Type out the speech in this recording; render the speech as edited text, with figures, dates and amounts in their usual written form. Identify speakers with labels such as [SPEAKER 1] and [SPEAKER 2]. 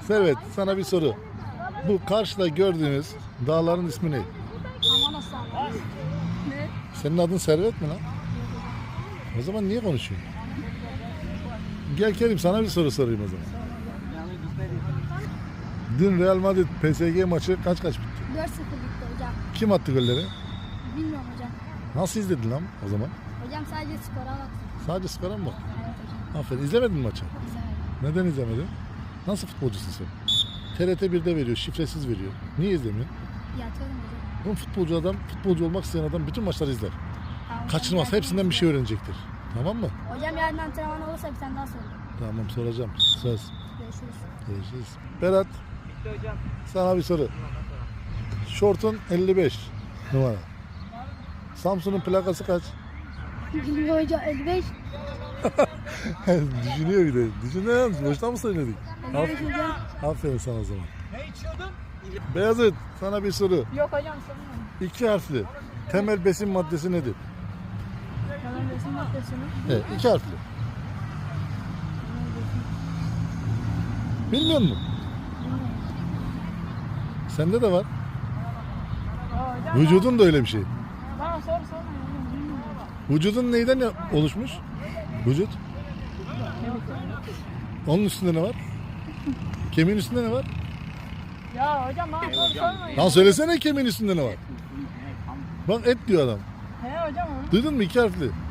[SPEAKER 1] Servet, sana bir soru. Bu karşıda gördüğünüz dağların ismi ne?
[SPEAKER 2] Aman aslan. Ne?
[SPEAKER 1] Senin adın Servet mi lan? O zaman niye konuşuyorsun? Gel Kerim, sana bir soru sorayım o zaman. Dün Real Madrid PSG maçı kaç bitti?
[SPEAKER 2] 4-0 bitti hocam.
[SPEAKER 1] Kim attı golleri?
[SPEAKER 2] Bilmiyorum hocam.
[SPEAKER 1] Nasıl izledin lan o zaman?
[SPEAKER 2] Hocam sadece skora baktım.
[SPEAKER 1] Sadece skora mı baktın?
[SPEAKER 2] Evet hocam.
[SPEAKER 1] Aferin. İzlemedin mi maçı?
[SPEAKER 2] Güzel.
[SPEAKER 1] Neden izlemedin? Nasıl futbolcusun sen? TRT 1'de veriyor, şifresiz veriyor. Niye izlemiyorsun?
[SPEAKER 2] Yatıyorum hocam.
[SPEAKER 1] Bu futbolcu olmak isteyen adam bütün maçları izler.
[SPEAKER 2] Tamam, hocam,
[SPEAKER 1] Kaçırmaz,
[SPEAKER 2] yarın
[SPEAKER 1] hepsinden bir şey öğrenecektir. Tamam mı?
[SPEAKER 2] Hocam yarın antrenman olursa bir tane daha sorayım.
[SPEAKER 1] Tamam, soracağım. Söz.
[SPEAKER 2] Görüşürüz.
[SPEAKER 1] Görüşürüz. Berat, sana bir soru. Şortun 55 numara. Samsun'un plakası kaç?
[SPEAKER 2] Bilmiyorum hocam 55.
[SPEAKER 1] Düşünüyor bir de. Düşünüyor musun? Boştan mı söyledik?
[SPEAKER 2] 55 hocam.
[SPEAKER 1] Aferin sana o zaman. Beyazıt, sana bir soru.
[SPEAKER 2] Yok hocam sormuyorum.
[SPEAKER 1] 2 harfli. Temel besin maddesi nedir?
[SPEAKER 2] Tamam resim maddesini.
[SPEAKER 1] Evet, 2 harfli. Bilmiyor musun? Sende de var.
[SPEAKER 2] Hocam
[SPEAKER 1] Vücudun da öyle bir şey.
[SPEAKER 2] bana sorma hocam. Bilmiyorum.
[SPEAKER 1] Vücudun neyden oluşmuş? Vücut. Onun üstünde ne var? Kemiğin üstünde ne var?
[SPEAKER 2] Ya hocam bana sormayın.
[SPEAKER 1] Lan söylesene kemiğin üstünde ne var? Bak et diyor adam.
[SPEAKER 2] He hocam onu.
[SPEAKER 1] Duydun mu? 2 harfli.